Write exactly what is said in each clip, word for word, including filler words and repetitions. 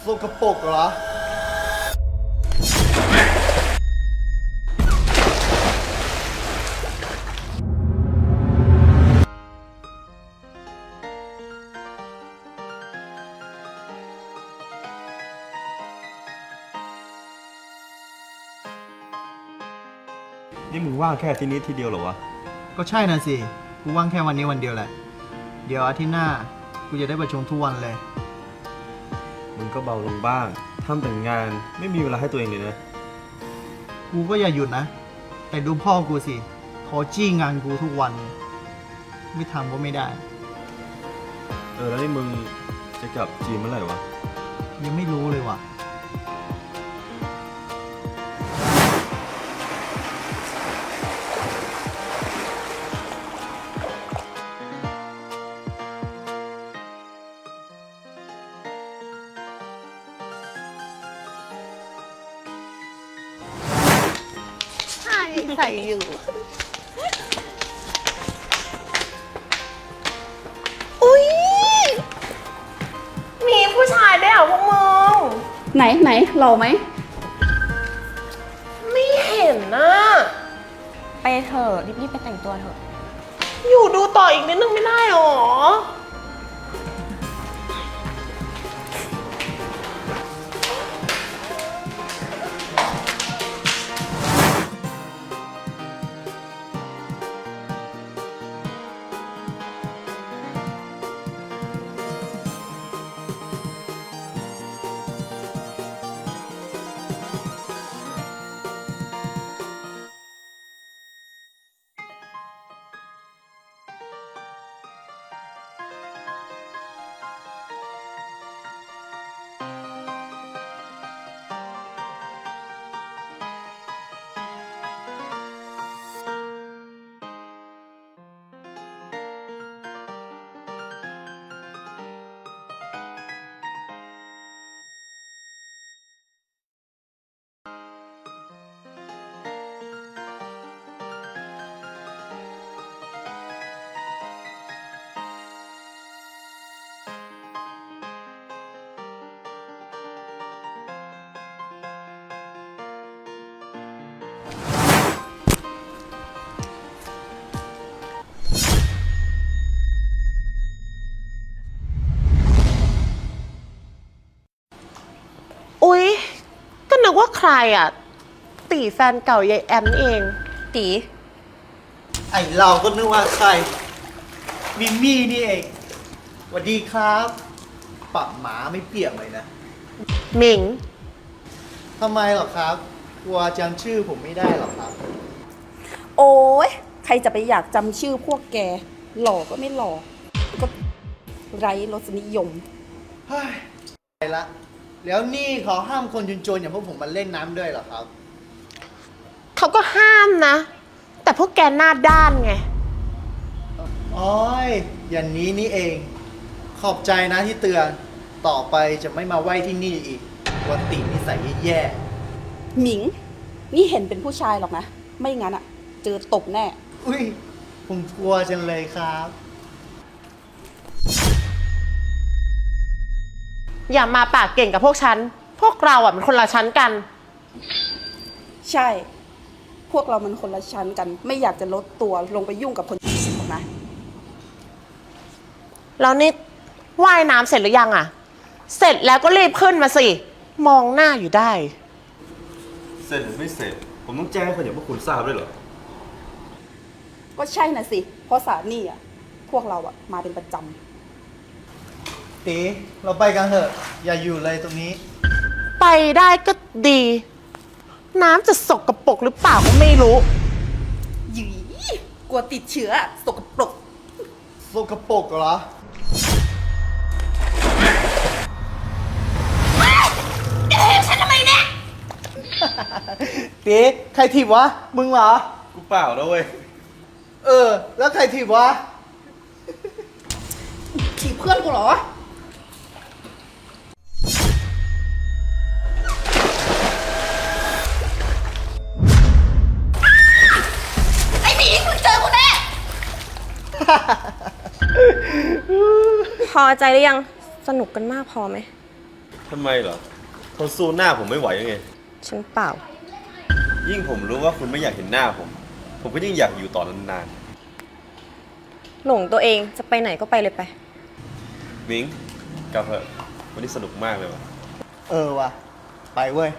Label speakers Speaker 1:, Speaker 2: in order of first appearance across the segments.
Speaker 1: สกปรกเหรอ
Speaker 2: นี่มึงว่างแค่ที่นี้ทีเดียวเหรอวะ
Speaker 1: ก็ใช่น่ะสิกูว่างแค่วันนี้วันเดียวแหละเดี๋ยวอาทิตย์หน้ากูจะได้ประชุมทุกวันเลย
Speaker 2: มึงก็เบาลงบ้างทำแต่งานไม่มีเวลาให้ตัวเองเลยนะ
Speaker 1: กูก็อย่าหยุดนะแต่ดูพ่อกูสิเขาจี้งานกูทุกวันไม่ทำก็ไม่ได้
Speaker 2: เออแล้วนี่มึงจะกลับจีนเมื่อไหร่วะ
Speaker 1: ยังไม่รู้เลยว่ะ
Speaker 3: ใส่อยู่อุ๊ยมีผู้ชายได้วยเหรอพวกมึง
Speaker 4: ไหนไหนหล่อไหม
Speaker 3: ไม่เห็นนะ
Speaker 5: ไปเถอะรีบๆไปแต่งตัวเถอะ
Speaker 3: อยู่ดูต่ออีกนิดนึงไม่ได้หรออุ๊ยก็นึกว่าใครอ่ะตีแฟนเก่ายายแอมนี่เอง
Speaker 5: ตี
Speaker 1: ไอเราก็นึกว่าใครมิมี่นี่เองสวัสดีครับปะหมาไม่เปียกเลยนะ
Speaker 3: หมิง
Speaker 1: ทำไมหรอครับกลัวจำชื่อผมไม่ได้หรอครับ
Speaker 4: โอ้ยใครจะไปอยากจำชื่อพวกแกหล่อก็ไม่หล่อก็ไร้รสนิยม
Speaker 1: เฮ้ยไปละแล้วนี่เขาห้ามคนจนๆอย่างพวกผมมาเล่นน้ำด้วยเหรอครับ
Speaker 3: เขาก็ห้ามนะแต่พวกแกหน้าด้านไง
Speaker 1: อ๋อยอย่างนี้นี่เองขอบใจนะที่เตือนต่อไปจะไม่มาไหว้ที่นี่อีกวันตินิสัยแย่
Speaker 4: หมิงนี่เห็นเป็นผู้ชายหรอกนะไม่งั้นอะเจอตบแน่
Speaker 1: อุ้ยผมกลัวจังเลยครับ
Speaker 3: อย่ามาปากเก่งกับพวกฉันพวกเราอ่ะมันคนละชั้นกัน
Speaker 4: ใช่พวกเรามันคนละชั้นกันไม่อยากจะลดตัวลงไปยุ่งกับคนหรอกนะ
Speaker 3: แล้วนี่ว่ายน้ำเสร็จหรือยังอ่ะเสร็จแล้วก็รีบขึ้นมาสิมองหน้าอยู่ได้
Speaker 2: เสร็จหรือไม่เสร็จผมต้องแจ้งให้คนอย่างพวกคุณทราบด้วยเหรอ
Speaker 4: ก็ใช่น่ะสิเพราะสานี่อ่ะพวกเราอ่ะมาเป็นประจำ
Speaker 1: ตีเราไปกันเถอะอย่าอยู่เลยตรงนี้
Speaker 3: ไปได้ก็ดีน้ำจะสกปรกหรือเปล่าก็ไม่รู้
Speaker 4: หยีกลัวติดเชื้อสกปรก
Speaker 1: สกปรกเหรอ
Speaker 3: เอ๊ะฉันทำไมเนี่ย
Speaker 1: ตีใครถีบวะมึงเหรอ
Speaker 2: กูเปล่าแล้วเว้ย
Speaker 1: เออแล้วใครถีบวะ
Speaker 4: ถีบเพื่อนกูเหรอ
Speaker 5: พอใจหรือยังสนุกกันมากพอไหม
Speaker 2: ทำไมเหรอทนสู้หน้าผมไม่ไหวยังไง
Speaker 5: ฉันเปล่า
Speaker 2: ยิ่งผมรู้ว่าคุณไม่อยากเห็นหน้าผม ผมก็ยิ่งอยากอยู่ต่อนาน
Speaker 5: หลงตัวเองจะไปไหนก็ไปเลยไป
Speaker 2: ๆมิงกลับเถอะวันนี้สนุกมากเลยว่ะ
Speaker 1: เออว่ะ ไปเว้ย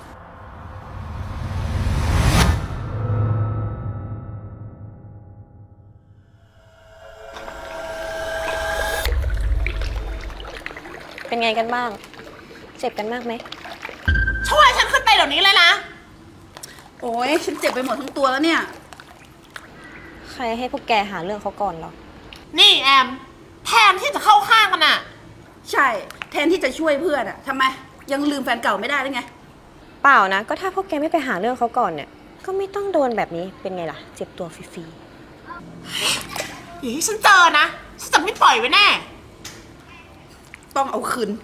Speaker 5: เป็นไงกันบ้าง เจ็บกันมากไหม
Speaker 3: ช่วยฉันขึ้นไปเดี๋ยวนี้เลยนะ
Speaker 4: โอ้ยฉันเจ็บไปหมดทั้งตัวแล้วเนี่ย
Speaker 5: ใครให้พวกแกหาเรื่องเขาก่อนเหรอ
Speaker 3: นี่แอม แทนที่จะเข้าข้างกันอะ
Speaker 4: ใช่ แทนที่จะช่วยเพื่อนอะทำไม ยังลืมแฟนเก่าไม่ได้หรือไง
Speaker 5: เปล่านะ ก็ถ้าพวกแกไม่ไปหาเรื่องเขาก่อนเนี่ย ก็ไม่ต้องโดนแบบนี้ เป็นไงล่ะ เจ็บตัวฟรี
Speaker 3: อย่าให้ฉันเจอนะ ฉันจะไม่ปล่อยไว้แน่
Speaker 4: ต้องเอาคืน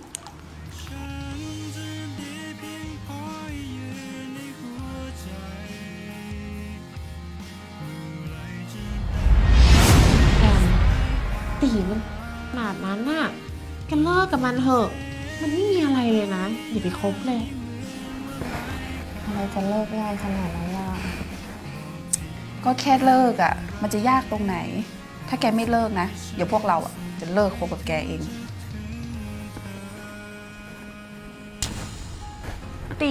Speaker 3: แอมตีมันขนาดนั้นน่ะกันเลิกกับมันเถอะ มันไม่มีอะไรเลยนะ อย่าไปคบเลย
Speaker 5: ๆอะไรจะเลิกง่ายขนาดนั้นล่ะ
Speaker 4: ก็แค่เลิกอะมันจะยากตรงไหน ถ้าแกไม่เลิกนะ เดี๋ยวพวกเราอะจะเลิกคบกับแกเอง ตี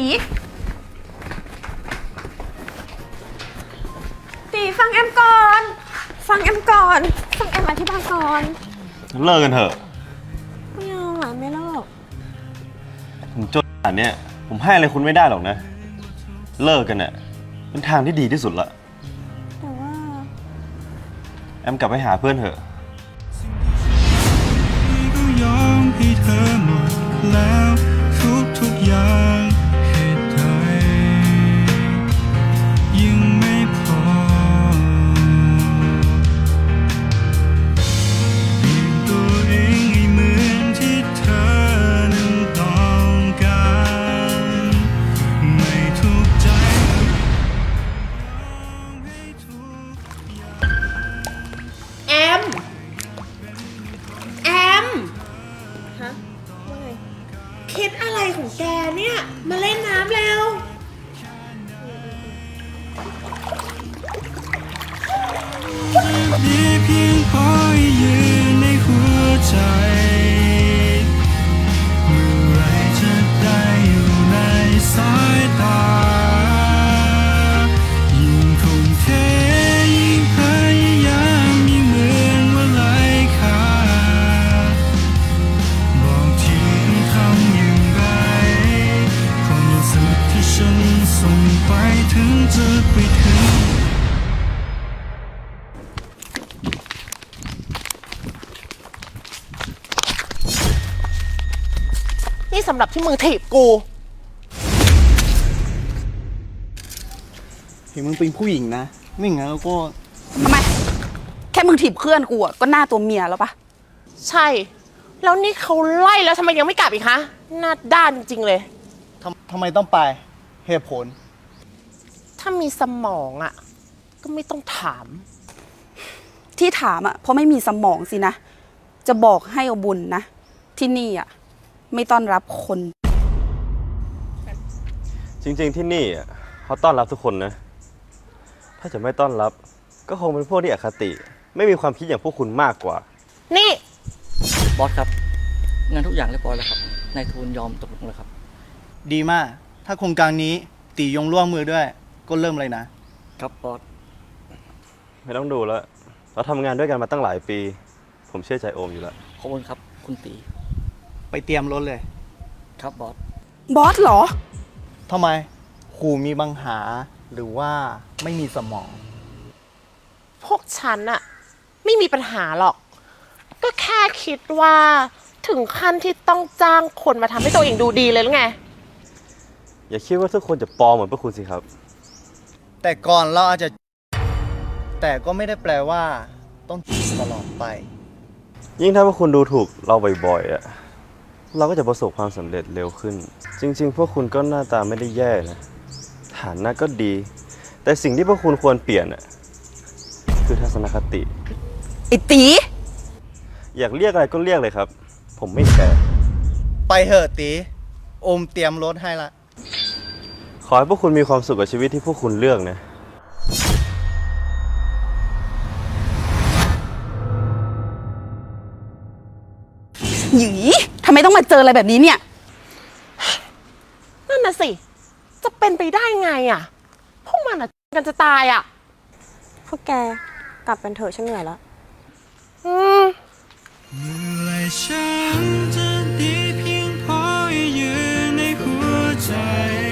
Speaker 5: ตีฟังแอมก่อน ฟังแอมก่อน ฟังแอมอธิบายก่อน
Speaker 2: เลิกกันเถอะ
Speaker 5: ไม่เอาอ่ะไม่เลิก
Speaker 2: ผมจนขนาดเนี้ยผมให้อะไรคุณไม่ได้หรอกนะ เลิกกันเนี่ยเป็นทางที่ดีที่สุดละ
Speaker 5: แต่ว่า
Speaker 2: แอมกลับไปหาเพื่อนเถอะ
Speaker 6: ก็ยอมให้เธอหมดแล้วทุกทุกอย่างเหตุใดยังไม่พอเปลี่ยนตัวเองให้เหมือนที่เธอนั้นต้องการไม่ทุกข์ใจยอมให้ทุกอย่าง
Speaker 3: แอม แอม
Speaker 5: ฮะ ว่าไง
Speaker 3: คิดอะไรของแกเนี่ย มาเล่นน้ำแล้ว
Speaker 6: มีเพียงพอให้ยืนในหัวใจ เมื่อไรจะได้อยู่ในสายตา ยิ่งทุ่มเทยิ่งพยายามยิ่งเหมือนว่าไร้ค่า บอกทีต้องทำอย่างไรความรู้สึกที่ฉันส่งไปถึงจะไปถึง
Speaker 3: นี่สำหรับที่มึงถีบกู
Speaker 1: เห็นมึงเป็นผู้หญิงนะ ไม่งั้นก็
Speaker 4: ทำไม แค่มึงถีบเพื่อนกูอะก็หน้าตัวเมียแล้วปะ
Speaker 3: ใช่ แล้วนี่เขาไล่แล้วทำไมยังไม่กลับอีกคะหน้าด้านจริงๆเลย
Speaker 1: ทำทำไมต้องไป เหตุผล
Speaker 3: ถ้ามีสมองอ่ะ ก็ไม่ต้องถาม
Speaker 4: ที่ถามอะเพราะไม่มีสมองสินะ จะบอกให้เอาบุญนะ ที่นี่อะไม่ต้อนรับคน
Speaker 2: จริงๆที่นี่อ่ะเขาต้อนรับทุกคนนะ ถ้าจะไม่ต้อนรับก็คงเป็นพวกที่อคติ ไม่มีความคิดอย่างพวกคุณมากกว่า
Speaker 3: นี่
Speaker 7: บอสครับงานทุกอย่างเรียบร้อยแล้วครับนายทูลยอมตกลงแล้วครับ
Speaker 1: ดีมาก ถ้าโครงการนี้ตียงร่วมมือด้วย ก็เริ่มเลยนะ
Speaker 7: ครับบอส
Speaker 2: ไม่ต้องดูแล้ว เราทำงานด้วยกันมาตั้งหลายปี ผมเชื่อใจโอมอยู่แล้ว
Speaker 7: ขอบคุณครับคุณตี
Speaker 1: ไปเตรียมรถเลย
Speaker 7: ครับบอส
Speaker 4: บอสเหรอ
Speaker 1: ทำไมครูมีปัญหาหรือว่าไม่มีสมอง
Speaker 3: พวกฉันอะไม่มีปัญหาหรอก ก็แค่คิดว่าถึงขั้นที่ต้องจ้างคนมาทำให้ตัวเองดูดีเลยหรือไง
Speaker 2: อย่าคิดว่าทุกคนจะปลอมเหมือนพวกคุณสิครับ
Speaker 1: แต่ก่อนเราอาจจะ แต่ก็ไม่ได้แปลว่าต้องตลอดไป
Speaker 2: ยิ่งถ้าพวกคุณดูถูกเราบ่อยๆอ่ะ เราก็จะประสบความสำเร็จเร็วขึ้น จริงๆ พวกคุณก็หน้าตาไม่ได้แย่นะ ฐานะก็ดี แต่สิ่งที่พวกคุณควรเปลี่ยนอ่ะ คือทัศนคติ
Speaker 4: ไอ้ตี
Speaker 2: อยากเรียกอะไรก็เรียกเลยครับ ผมไม่แคร์
Speaker 1: ไปเถอะตีโอมเตรียมรถให้ละ
Speaker 2: ขอให้พวกคุณมีความสุขกับชีวิตที่พวกคุณเลือกนะ
Speaker 4: หยีทำไมต้องมาเจออะไรแบบนี้เนี่ย
Speaker 3: นั่นน่ะสิ จะเป็นไปได้ไงอ่ะ พวกมันอ่ะกันจะตายอ่ะ
Speaker 5: พวกแกกลับกันเถอะฉันเหนื่อยแล้ว
Speaker 3: อืม
Speaker 6: เมื่อไหรฉันจะดีเพียงพอให้ยืนในหัวใจ